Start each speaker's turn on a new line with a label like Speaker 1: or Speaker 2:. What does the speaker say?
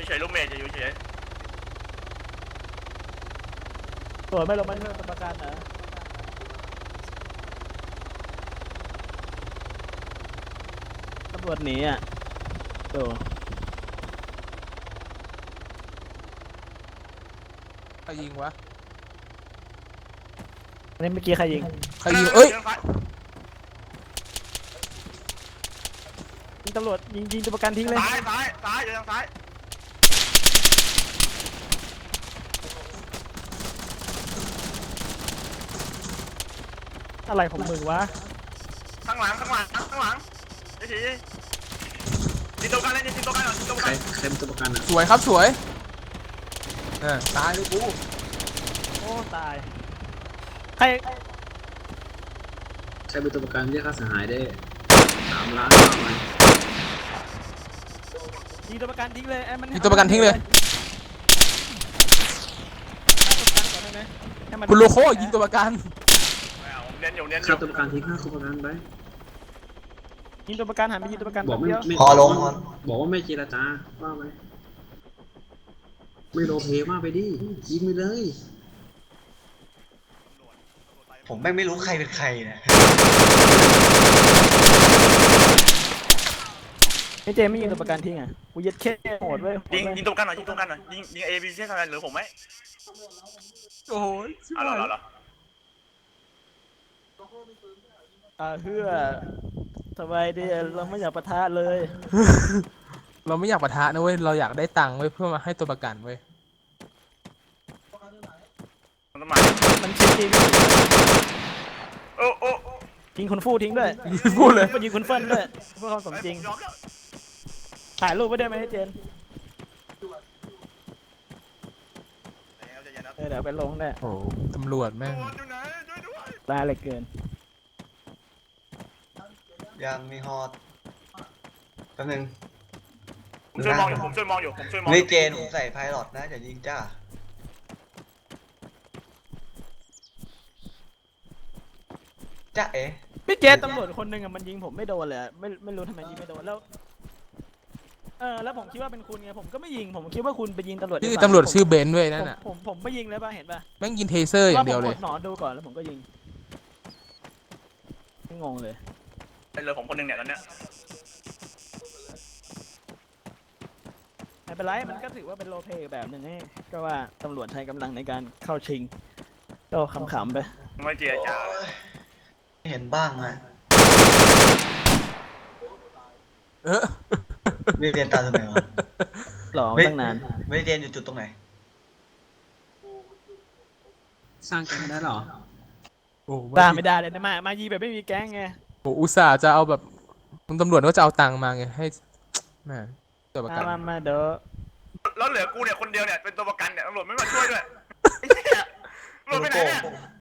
Speaker 1: เฉยลูกเมย์จะอยู่เฉย
Speaker 2: ตัวไม่ลงมาเรื่องประกันนะตำรวจหนีอ่ะตัว
Speaker 3: ใครยิงวะ
Speaker 2: นี่เมื่อกี้ใครยิง
Speaker 3: ใครยิงเอ้ย
Speaker 2: ยิงตำรวจยิงตัวประกันทิ้งเลย
Speaker 1: ซ้ายอยู่ทางซ้าย
Speaker 2: อะไรของมึงวะ
Speaker 1: ข้างหลังเฉยยิงตัวกันเลยยิงตัวกันหน่อยยิงตัว
Speaker 4: ใคร
Speaker 1: กัน
Speaker 4: ใครเป็นตัวประกันอ่ะ
Speaker 3: สวยครับสวยตายเลยกู
Speaker 2: โอ้ตายใคร
Speaker 4: ใครเป็นตัวประกันเรียกค่าเสียหายได้3 ล้านเอาไหม
Speaker 2: ยิงตัวประกันทิ้งเลยไอ้มัน
Speaker 3: ยิงตัวประกันทิ้งเลย
Speaker 2: ให้มัน
Speaker 3: คุณโลโก้ยิงตัวประกัน
Speaker 1: ผมเน้นอยู่
Speaker 4: ค่าตัวประกันทิ้งค่าตัวประกันไป
Speaker 2: ยิงตัวประกันหันไปยิงตัวประกัน
Speaker 4: บอกไม่
Speaker 2: เดียว
Speaker 4: ไม่
Speaker 5: พอลง
Speaker 4: บอกว่าไม่เจรจาว่าไหมไม่โลเพมากไปดิยิงไปเลย
Speaker 5: ผมแม่งไม่รู้ใครเป็นใครนะ
Speaker 2: ไอ้เจไม่ยิงตัวประกันทิ้งอ่ะกูยัดเข้โหดเว้ย
Speaker 1: ยิงตัวกันหน่อยยิงเอบีซีทำงานหรือผมไหม
Speaker 3: โอ้ย
Speaker 1: เอาเหรอ
Speaker 2: เพื่อสบายดีเราไม่อยากปะทะเลย
Speaker 3: เราไม่อยากปะทะนะเว้ยเราอยากได้ตังค์เว้ยเพื่อมาให้ตัวประกันเว้ย
Speaker 1: มันต้องมา
Speaker 2: มันชิงจริง
Speaker 1: โอ้
Speaker 2: ยิงคุณฟู่ทิ้งด้วย
Speaker 3: พูดเลย
Speaker 2: ยิงคุณเฟิร์นด้วยเพื่อความสมจริงถ่ายรูปไว้ได้ไหมเจนเดี๋ยวไปลงได้
Speaker 3: โอ้ตำรวจแม่ง
Speaker 2: ลาเลยเกิน
Speaker 5: ยังมีฮอตแป๊บนึง
Speaker 1: ผมช่วยมองอยู่
Speaker 5: นี่เจนผมใส่ไพลอตนะอย่ายิงจ้าจ้าเอ๋
Speaker 2: พี่เจตำรวจคนหนึ่งอะมันยิงผมไม่โดนเลยอะไม่รู้ทำไมยิงไม่โดนแล้วแล้วผมคิดว่าเป็นคุณไงผมก็ไม่ยิงผมคิดว่าคุณไปยิงตำรวจ
Speaker 3: ชื่อตำรวจชื่อเบนซ์ด้วยนั่นน่ะ
Speaker 2: ผมไม่ยิงเลยป่ะเห็นป่ะ
Speaker 3: แม่งยิงเทเซอร์อย่างเดียวเลย
Speaker 2: ผมกหนอนดูก่อนแล้วผมก็ยิงงงเลย
Speaker 1: เป็นเลยผมคนหนึ่งเนี่ยตอนเนี้ย
Speaker 2: ไม่เป็นไรมันก็ถือว่าเป็นโรลเพลย์แบบหนึ่งให้ก็ว่าตำรวจใช้กำลังในการเข้าชิงก็ขำๆไป
Speaker 1: ไม่เจียจ้า
Speaker 5: เห็นบ้างอะ
Speaker 3: เออ
Speaker 5: ไม่เรียนตามตรงไหนวะ
Speaker 2: หลอกตั้งนาน
Speaker 5: ไม่ได้เรียนอยู่จุดตรงไหน
Speaker 4: สร้างกันได้เหรอ
Speaker 3: โอ้
Speaker 2: ตามไม่ได้เลยนะมายีแบบไม่มีแก๊งไง
Speaker 3: โหอุตส่าห์จะเอาแบบคุณตำรวจก็จะเอาตังค์มาไงให้แม่ตัวประกัน
Speaker 2: มาเด้อ
Speaker 1: แล้วเหลือกูเนี่ยคนเดียวเนี่ยเป็นตัวประกันเนี่ยตำรวจไม่มาช่วยด้วยตำรวจไปไหนเนี่ย